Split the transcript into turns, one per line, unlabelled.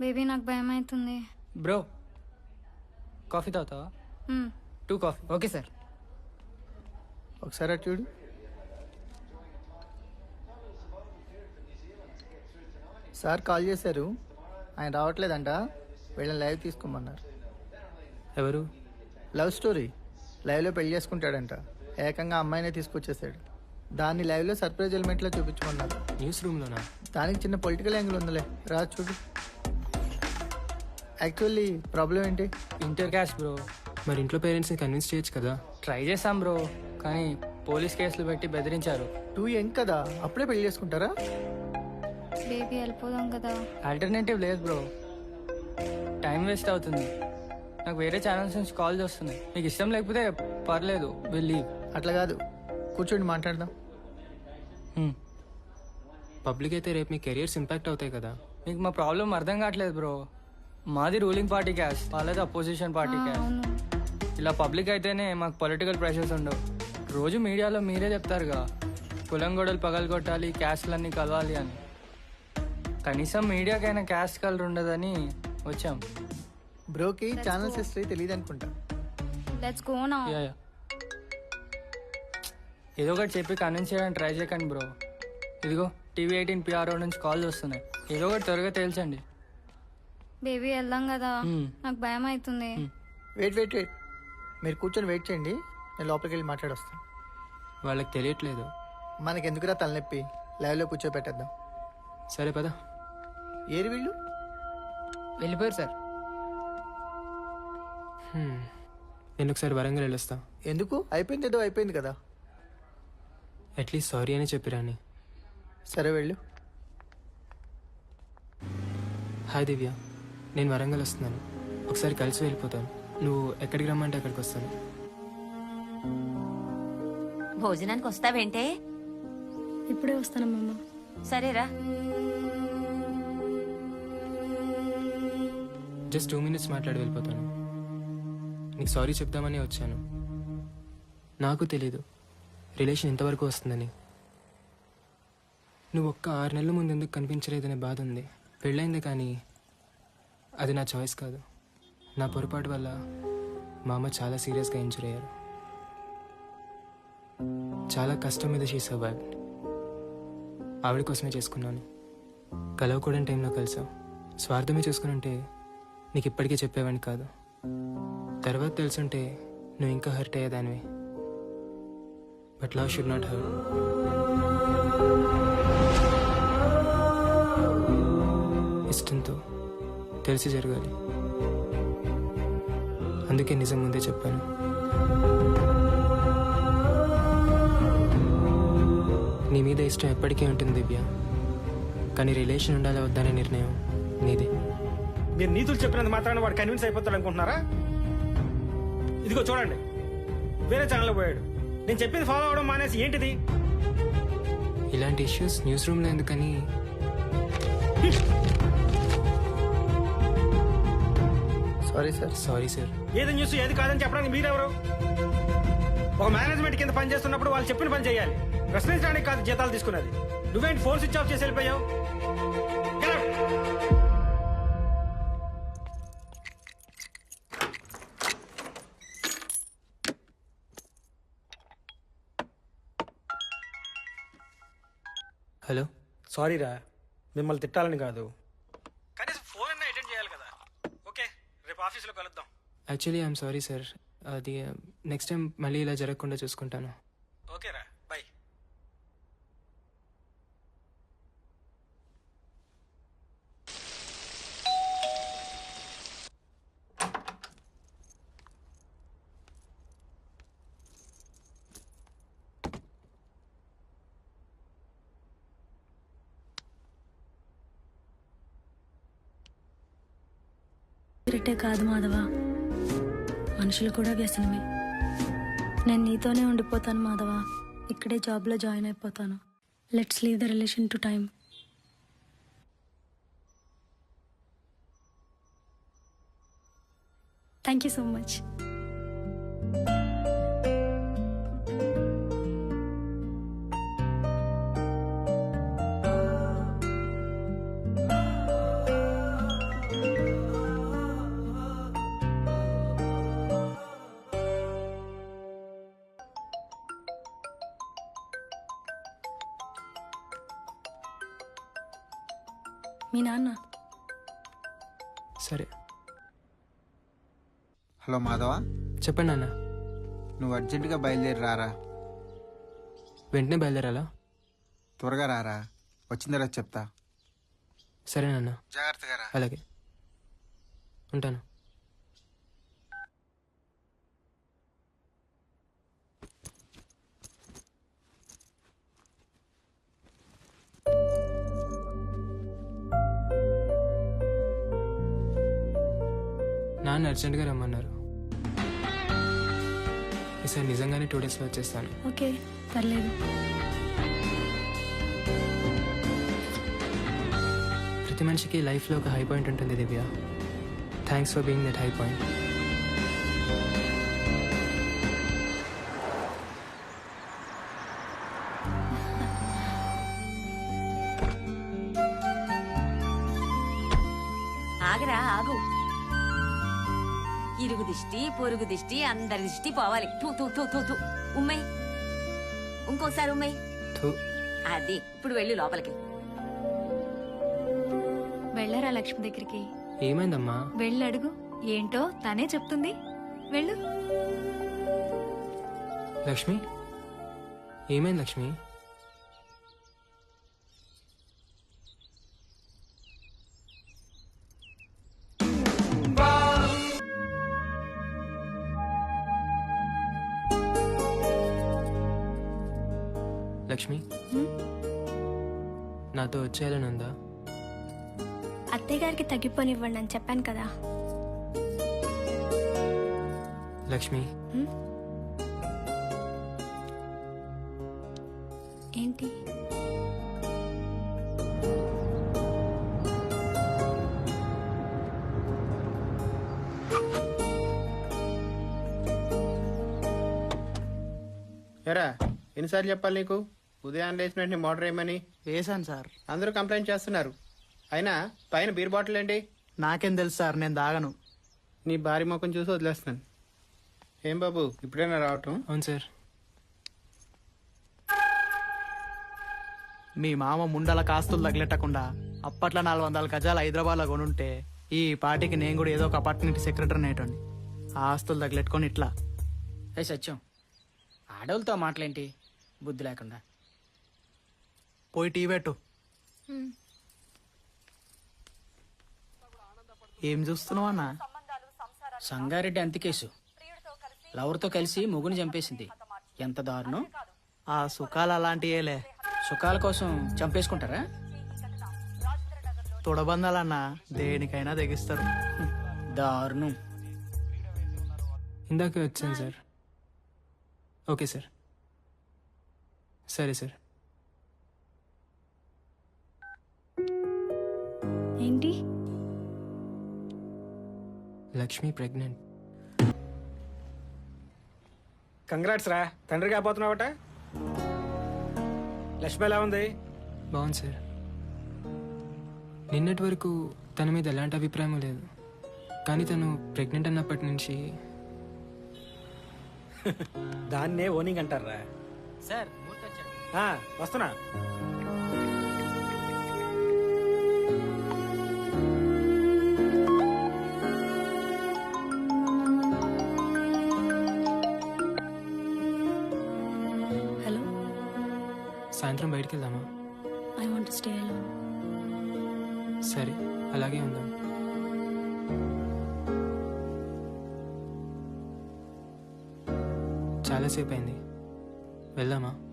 Baby నాకు భయం అవుతుంది.
బ్రో కాఫీ తాగుతావా? 2 కాఫీ.
Okay sir.
ఒకసారి అటు చూడు. సార్ కాల్ చేశారు, ఆయన రావట్లేదంట, వీళ్ళని లైవ్ తీసుకోమన్నారు.
ఎవరు?
లవ్ స్టోరీ, లైవ్లో పెళ్లి చేసుకుంటాడంట. ఏకంగా అమ్మాయినే తీసుకొచ్చేసాడు. దాన్ని లైవ్లో సర్ప్రైజ్ ఎలిమెంట్లో చూపించమన్నారు.
న్యూస్ రూమ్లోనా?
దానికి చిన్న పొలిటికల్ యాంగిల్ ఉందిలే, రా చూడు. యాక్చువల్లీ ప్రాబ్లం ఏంటి?
Inter caste bro.
మరి ఇంట్లో పేరెంట్స్ని కన్విన్స్ చేయొచ్చు కదా.
ట్రై చేశాం బ్రో, కానీ పోలీస్ కేసులు పెట్టి బెదిరించారు.
2 యంగ్ కదా, అప్పుడే పెళ్లి చేసుకుంటారా?
బేబీ వెళ్ళిపోదాం కదా.
ఆల్టర్నేటివ్ లేదు బ్రో, టైం వేస్ట్ అవుతుంది. నాకు వేరే ఛానల్స్ నుంచి కాల్స్ వస్తున్నాయి. మీకు ఇష్టం లేకపోతే పర్లేదు, వెళ్ళి.
అట్లా కాదు, కూర్చోండి మాట్లాడదాం.
పబ్లిక్ అయితే రేపు మీ కెరియర్స్ ఇంపాక్ట్ అవుతాయి కదా.
మీకు మా ప్రాబ్లం అర్థం కావట్లేదు బ్రో. మాది రూలింగ్ పార్టీ క్యాస్ట్, వాళ్ళది అపోజిషన్ పార్టీ క్యాస్ట్.
అవును.
ఇలా పబ్లిక్ అయితేనే మాకు పొలిటికల్ ప్రెషర్స్ ఉండవు. రోజు మీడియాలో మీరే చెప్తారుగా, కులం గొడవలు పగలగొట్టాలి, క్యాస్ట్లన్నీ కలవాలి అని. కనీసం మీడియాకైనా క్యాస్ట్ కలర్ ఉండదని వచ్చాం.
బ్రోకి ఛానల్స్ హిస్టరీ తెలియదు అనుకుంటా.
Let's go now.
Yeah yeah. ఏదో ఒకటి చెప్పి కన్విన్స్ చేయడానికి ట్రై చేయకండి బ్రో. ఇదిగో టీవీ 18 PRO నుంచి కాల్స్ వస్తున్నాయి. ఏదో ఒకటి త్వరగా తేల్చండి.
బేబీ వెళ్దాం కదా, నాకు భయం అవుతుంది.
వెయిట్ వెయిట్ వెయిట్, మీరు కూర్చొని వెయిట్ చేయండి, నేను లోపలికి వెళ్ళి మాట్లాడొస్తాను.
వాళ్ళకి తెలియట్లేదు.
మనకెందుకురా తలనొప్పి, లైవ్లో కూర్చోబెట్టేద్దాం.
సరే పదా.
ఏరి వీళ్ళు?
వెళ్ళిపోయారు సార్.
నేను ఒకసారి వరంగల్ వెళ్ళొస్తా.
ఎందుకు? అయిపోయింది, ఏదో అయిపోయింది కదా.
అట్లీస్ట్ సారీ అని చెప్పిరాని.
సరే వెళ్ళు.
హాయ్ దివ్య, నేను వరంగల్ వస్తున్నాను. ఒకసారి కలిసి వెళ్ళిపోతాను. నువ్వు ఎక్కడికి రమ్మంటే అక్కడికి వస్తాను.
భోజనానికి వస్తావేంటే?
ఇప్పుడే వస్తానమ్మా.
సరేరా.
జస్ట్ 2 minutes మాట్లాడి వెళ్ళిపోతాను. నీకు సారీ చెప్దామని వచ్చాను. నాకు తెలీదు రిలేషన్ ఇంతవరకు వస్తుందని. నువ్వు ఒక్క 6 నెలల ముందు ఎందుకు కనిపించలేదనే బాధ ఉంది. పెళ్ళైంది, కానీ అది నా చాయిస్ కాదు. నా పొరపాటు వల్ల మా అమ్మ చాలా సీరియస్గా ఇంజూర్ అయ్యారు. చాలా కష్టం మీద షీ సర్వైవ్డ్. ఆవిడ కోసమే చేసుకున్నాను. కలవకూడని టైంలో కలిసావు. స్వార్థమే చూసుకుని ఉంటే నీకు ఇప్పటికీ చెప్పేవాడిని కాదు. తర్వాత తెలుసుంటే నువ్వు ఇంకా హర్ట్ అయ్యేదానివి. But love should not hurt. ఇష్టంతో తెలిసి జరగాలి. అందుకే నిజం ముందే చెప్పాను. నీ మీద ఇష్టం ఎప్పటికీ ఉంటుంది దివ్య, కానీ రిలేషన్ ఉండాలా వద్దనే నిర్ణయం నీదే.
మీరు నీతులు చెప్పినంత మాత్రాన వాడు కన్విన్స్ అయిపోతాడు అనుకుంటున్నారా? ఇదిగో చూడండి, వేరే ఛానల్లో పోయాడు. నేను చెప్పింది ఫాలో అవడం మానేసి ఏంటిది?
ఇలాంటి ఇష్యూస్ న్యూస్ రూమ్లో ఎందుకని.
Sorry sir.
Sorry sir.
ఏది న్యూస్ ఏది కాదని చెప్పడానికి మీరెవరు? ఒక మేనేజ్మెంట్ కింద పని చేస్తున్నప్పుడు వాళ్ళు చెప్పిన పని చేయాలి. ప్రశ్నించడానికి కాదు జీతాలు తీసుకున్నది. నువ్వేంటి ఫోన్ స్విచ్ ఆఫ్ చేసి వెళ్ళిపోయావు? Get out.
హలో.
సారీ రా, మిమ్మల్ని తిట్టాలని కాదు, కనీసం ఫోన్ అన్నా అటెండ్ చేయాలి కదా. ఓకే, రేపు ఆఫీస్లో కలుద్దాం.
Actually I'm sorry sir. అది నెక్స్ట్ టైం మళ్ళీ ఇలా జరగకుండా చూసుకుంటాను.
ఓకేరా, బాయ్.
సిగరెట్టే కాదు మాధవ, మనుషులు కూడా వ్యసనమే. నేను నీతోనే ఉండిపోతాను మాధవ. ఇక్కడే జాబ్లో జాయిన్ అయిపోతాను. Let's leave the relation to time. Thank you so much. మీ నాన్న.
సరే
హలో మాధవ,
చెప్పండి నాన్న.
నువ్వు అర్జెంటుగా బయలుదేరి రారా.
వెంటనే బయలుదేరాలా?
త్వరగా రారా, వచ్చిన తర్వాత చెప్తా.
సరే నాన్న,
జాగ్రత్తగా రా.
అలాగే ఉంటాను. నాన్న అర్జెంట్గా రమ్మన్నారు. ఈసారి నిజంగానే 2 డేస్లో వచ్చేస్తాను.
ఓకే, పర్లేదు.
ప్రతి మనిషికి లైఫ్లో ఒక హై పాయింట్ ఉంటుంది Divya. Thanks for being that high point.
ఆగరా ఆగు. ఇరుగు దిష్టి పొరుగు దిష్టి అందరి దిష్టి పోవాలి. తూ తూ తూ తూ తూ. ఉమ్మయ్, ఇంకోసారి ఉమ్మయ్. అది ఇప్పుడు వెళ్ళు లోపలికి.
వెళ్ళరా లక్ష్మి దగ్గరికి.
ఏమైందమ్మా?
వెళ్ళి అడుగు, ఏంటో తనే చెప్తుంది. వెళ్ళు.
లక్ష్మి, ఏమైంది లక్ష్మి? లక్ష్మి, నాతో వచ్చేయాలని ఉందా?
అత్తయ్య గారికి తగ్గిపోనివ్వండి అని చెప్పాను కదా.
లక్ష్మి,
ఏంటి?
ఎరా, ఎన్నిసార్లు చెప్పాలి నీకు ఉదయం లేచిన వెంటనే మోటార్ వేయమని?
వేశాను సార్.
అందరూ కంప్లైంట్ చేస్తున్నారు. అయినా పైన బీర్ బాటిల్ ఏంటి?
నాకేం తెలుసు సార్, నేను దాగను.
నీ భారీ ముఖం చూసి వదిలేస్తున్నాను. ఏం బాబు, ఇప్పుడైనా రావటం?
అవును సార్.
మీ మామ ముండల కాస్తులు తగిలెట్టకుండా అప్పట్లో 400 గజాలు హైదరాబాద్లో కొనుంటే ఈ పార్టీకి నేను కూడా ఏదో ఒక అపార్ట్మెంట్ సెక్రటరీ నేటండి. ఆ ఆస్తులు తగిలెట్టుకొని ఇట్లా.
ఏ సత్యం, ఆడవులతో మాటలేంటి బుద్ధి లేకుండా.
పోయి టీ పెట్టు. ఏం చూస్తున్నావు అన్న?
సంగారెడ్డి అంతికేసు లవర్తో కలిసి మొగుని చంపేసింది. ఎంత దారుణం.
ఆ సుఖాలు అలాంటియేలే.
సుఖాల కోసం చంపేసుకుంటారా?
తొడబందాలన్న దేనికైనా తెగిస్తారు.
దారుణం.
ఇందాకే వచ్చాను సార్. Okay sir. సరే సార్.
ఏంటి?
లక్ష్మి ప్రెగ్నెంట్.
కంగ్రాట్స్ రా, తండ్రి కాబోతున్నావట. లక్ష్మి ఎలా ఉంది?
బాగుంది సార్. నిన్నటి వరకు తన మీద ఎలాంటి అభిప్రాయం లేదు, కానీ తను ప్రెగ్నెంట్ అన్నప్పటి నుంచి
దాన్నే ఓనింగ్ అంటారా?
సార్
వస్తున్నా.
హలో,
సాయంత్రం బయటికి వెళ్దామా?
I want to stay alone.
సరే, అలాగే ఉందాం. చాలాసేపు అయింది, వెళ్దామా?